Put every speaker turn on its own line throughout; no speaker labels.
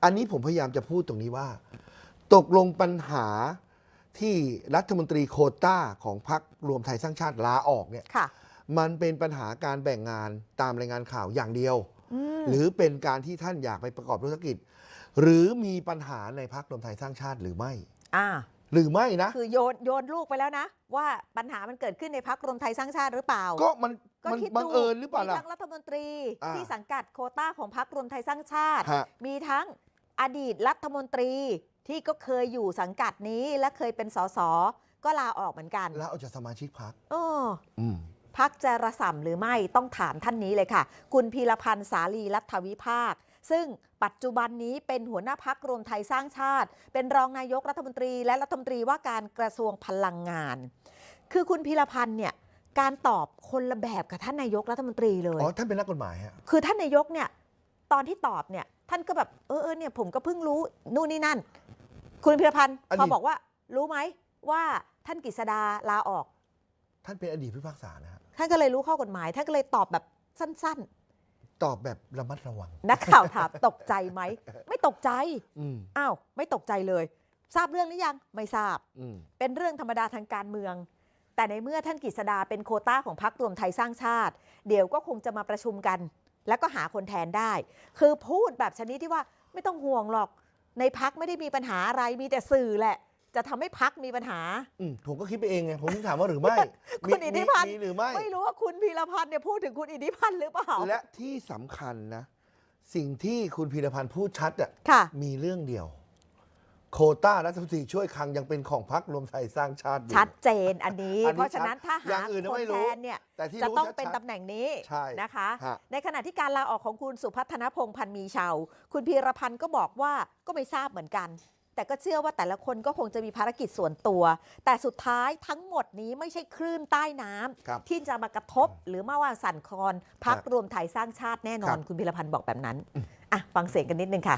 อันนี้ผมพยายามจะพูดตรงนี้ว่า ตกลงปัญหาที่รัฐมนตรีโควต้าของพรรครวมไทยสร้างชาติลาออกเนี่ยมันเป็นปัญหาการแบ่งงานตามรายงานข่าวอย่างเดียวหรือเป็นการที่ท่านอยากไปประกอบธุรกิจหรือมีปัญหาในพรรครวมไทยสร้างชาติหรือไม่หรือไม่นะ
คือโยนลูกไปแล้วนะว่าปัญหามันเกิดขึ้นในพรรครวมไทยสร้างชาติหรือเปล่า
ก็มันบังเอิญหรือเปล่าล่ะ
มีทั้งรัฐมนตรีที่สังกัดโควต้าของพรรครวมไทยสร้างชาติมีทั้งอดีตรัฐมนตรีที่ก็เคยอยู่สังกัดนี้และเคยเป็นสสก็ลาออกเหมือนกัน
ลาออกจากสมาชิกพรรค
พรรคจะระส่ำหรือไม่ต้องถามท่านนี้เลยค่ะคุณพีรพันธ์สาลีรัฐวิภาคซึ่งปัจจุบันนี้เป็นหัวหน้าพรรครวมไทยสร้างชาติเป็นรองนายกรัฐมนตรีและรัฐมนตรีว่าการกระทรวงพลังงานคือคุณพีรพันธ์เนี่ยการตอบคนละแบบกับท่านนายกรัฐมนตรีเลย
อ๋อท่านเป็นนักกฎหมายฮะ
คือท่านนายกเนี่ยตอนที่ตอบเนี่ยท่านก็แบบเนี่ยผมก็เพิ่งรู้นู่นนี่นั่นคุณพีรพันธ์พอบอกว่ารู้ไหมว่าท่านกฤษดาลาออก
ท่านเป็นอดีตผู้พิพากษานะฮะ
ท่านก็เลยรู้ข้อกฎหมายท่านก็เลยตอบแบบสั้น
ๆตอบแบบระมัดระวัง
นักข่าวถามตกใจไหมไม่ตกใจอ้าวไม่ตกใจเลยทราบเรื่องหรือยังไม่ทราบเป็นเรื่องธรรมดาทางการเมืองแต่ในเมื่อท่านกฤษดาเป็นโควต้าของพรรครวมไทยสร้างชาติเดี๋ยวก็คงจะมาประชุมกันแล้วก็หาคนแทนได้คือพูดแบบชนิดที่ว่าไม่ต้องห่วงหรอกในพรรคไม่ได้มีปัญหาอะไรมีแต่สื่อแหละจะทำให้พรรคมีปัญหา
ผมก็คิดไปเองไงผมถามว่าหรือไม่
คุณอิทธิพันธ์
หรือ
ไม่รู้ว่าคุณพีรพันธ์เนี่ยพูดถึงคุณอิทธิพันธ์หรือเปล่า
และที่สำคัญนะสิ่งที่คุณพีรพันธ์พูดชัดมีเรื่องเดียวโควต้ารัฐมนตรีช่วยคลังยังเป็นของพรรครวมไทยสร้างชาติอยู่
ชัดเจนอันนี้เพราะฉะนั้นถ้าหาคนแทนเนี่ยจะต้องเป็นตำแหน่งนี้นะคะในขณะที่การลาออกของคุณสุพัฒนพงษ์พันธ์มีชาวคุณพีรพันธ์ก็บอกว่าก็ไม่ทราบเหมือนกันแต่ก็เชื่อว่าแต่ละคนก็คงจะมีภารกิจส่วนตัวแต่สุดท้ายทั้งหมดนี้ไม่ใช่คลื่นใต้น้ำที่จะมากระทบหรือมาว่าสั่นคลอนพรรครวมไทยสร้างชาติแน่นอนคุณพีรพันธ์บอกแบบนั้นฟังเสียงกันนิดนึงค่ะ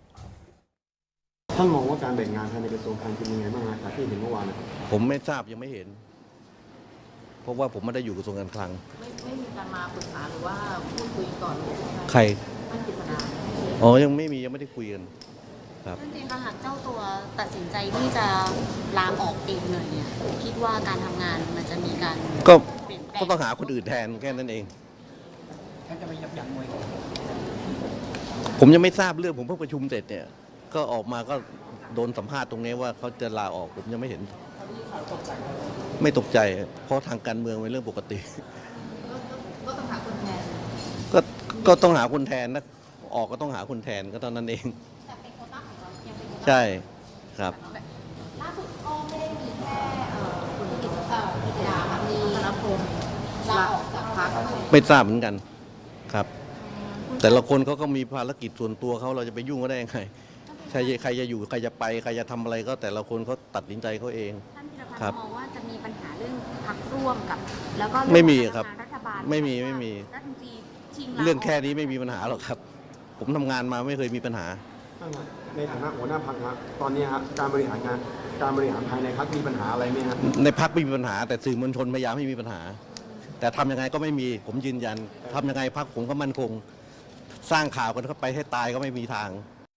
ท่านมองว่าการแบ่งงานภายในกระทรวงการเป็นยังไงบ้างครับที่เห็นเมื่อวาน
ผมไม่ทราบยังไม่เห็นเพราะว่าผมไม่ได้อยู่กระทรวงการคลัง
ไม่มีการมาปรึกษาหรือว่าพูดคุยก่อนเลย
ใคร
ท่านกฤษดา
ยังไม่ได้คุยกันครับ
จริงๆหากเจ้าตัวตัดสินใจที่จะลาออกเองเลยเนี่ยคิดว่าการทำงานมันจะมีการ
ก็ต้องหาคนอื่นแทนแค่นั้นเอง
ท่านจะไม่ยับยั้งมวย
ผมยังไม่ทราบเรื่องผมเพิ่งประชุมเสร็จเนี่ยก็ออกมาก็โดนสัมภาษณ์ตรงนี้ว่าเขาจะลาออกผมยังไม่เห็นไม่ตกใจเพราะทางการเมืองเป็นเรื่องปกติ
ก็ต้องหาคนแทน
ก็ต้องหาคนแทนนะออกก็ต้องหาคนแทนก็เท่านั้นเองใช่ครับ
ล่าสุดก็ไม่ได้มีแค่คุณกฤษดามีธนพงศ์ลาออกจากพรรค
ไม่ทราบเหมือนกันครับแต่ละคนเขาก็มีภารกิจส่วนตัวเขาเราจะไปยุ่งก็ได้ยังไงใครจะอยู่ใครจะไปใครจะทำอะไรก็แต่ละคนเขาตัดสินใจเขาเอง
ท่านธีรพันธ์มองว่าจะมีปัญหาเรื่องพรรคร่วมกับแล้วก็
ไม่มีครับ
รัฐบาล
ไม่มีเรื่องแค่นี้ไม่มีปัญหาหรอกครับผมทำงานมาไม่เคยมีปัญหา
ในฐานะหัวหน้าพรรคครับตอนนี้ครับการบริหารงานภายในพรรคมีปัญหาอะไรไหมครับ
ในพรรคไม่มีปัญหาแต่สื่อมวลชนพยายามให้มีปัญหาแต่ทำยังไงก็ไม่มีผมยืนยันทำยังไงพรรคผมก็มั่นคงสร้างข่าวกันเข้าไปให้ตายก็ไม่มีทาง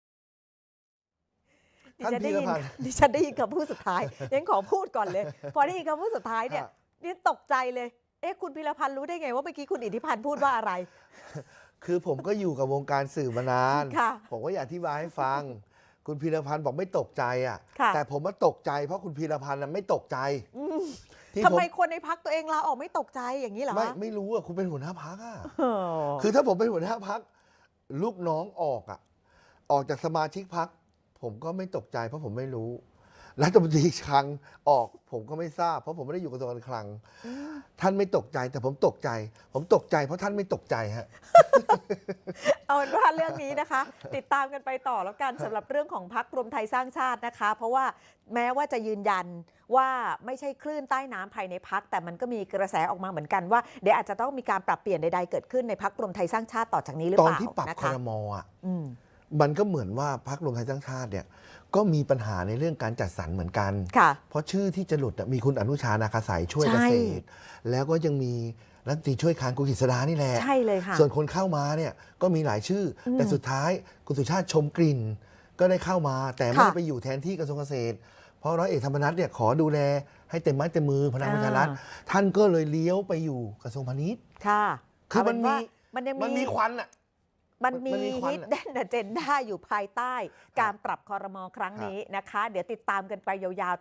ดิฉันได้ยินคำพูดสุดท้ายยังขอพูดก่อนเลยพอได้ยินคำพูดสุดท้ายเนี่ยนี่ตกใจเลยคุณพีรพันธ์รู้ได้ไงว่าเมื่อกี้คุณอิทธิพันธ์พูดว่าอะไร
คือผมก็อยู่กับวงการสื่อมานานผมก็อยากอธิบายให้ฟังคุณพีรพันธ์บอกไม่ตกใจแต่ผมว่าตกใจเพราะคุณพีรพันธ์ไม่ตกใจ
ทำไมคนในพรรคตัวเองลาออกไม่ตกใจอย่างนี้เหรอ
ไม่รู้คุณเป็นหัวหน้าพรรคคือถ้าผมเป็นหัวหน้าพรรคลูกน้องออกจากสมาชิกพรรคผมก็ไม่ตกใจเพราะผมไม่รู้รัฐมนตรีคลังออกผมก็ไม่ทราบเพราะผมไม่ได้อยู่กระทรวงการคลังท่านไม่ตกใจแต่ผมตกใจเพราะท่านไม่ตกใจฮะ
เอาเป็นว่าเรื่องนี้นะคะติดตามกันไปต่อแล้วกันสำหรับเรื่องของพรรครวมไทยสร้างชาตินะคะเพราะว่าแม้ว่าจะยืนยันว่าไม่ใช่คลื่นใต้น้ำภายในพรรคแต่มันก็มีกระแสออกมาเหมือนกันว่าเดี๋ยวอาจจะต้องมีการปรับเปลี่ยนใดๆเกิดขึ้นในพรรครวมไทยสร้างชาติต่อจากนี้หรือเปล่า
ตอนที่ปรับครม.มันก็เหมือนว่าพรรครวมไทยสร้างชาติเนี่ยก็มีปัญหาในเรื่องการจัดสรรเหมือนกันเพราะชื่อที่จะหลุดมีคุณอนุชานาคาสายช่วยเกษตรแล้วก็ยังมีรัฐมนตรีช่วยคลังคุณกฤษดานี่แหละ
ใช่เลยค่ะ
ส่วนคนเข้ามาเนี่ยก็มีหลายชื่อแต่สุดท้ายคุณสุชาติชมกลิ่นก็ได้เข้ามาแต่ไม่ได้ไปอยู่แทนที่กระทรวงเกษตร เพราะร้อยเอกธรรมนัฐเนี่ยขอดูแลให้เต็มไม้เต็มมือพลังประชารัฐท่านก็เลยเลี้ยวไปอยู่กระทรวงพาณิชย์
ค่ะ
คือมันมีควันอ่ะ
มันมีฮิดเด้นอเจนด้าอยู่ภายใต้การปรับครม.ครั้งนี้นะคะเดี๋ยวติดตามกันไปยาวๆ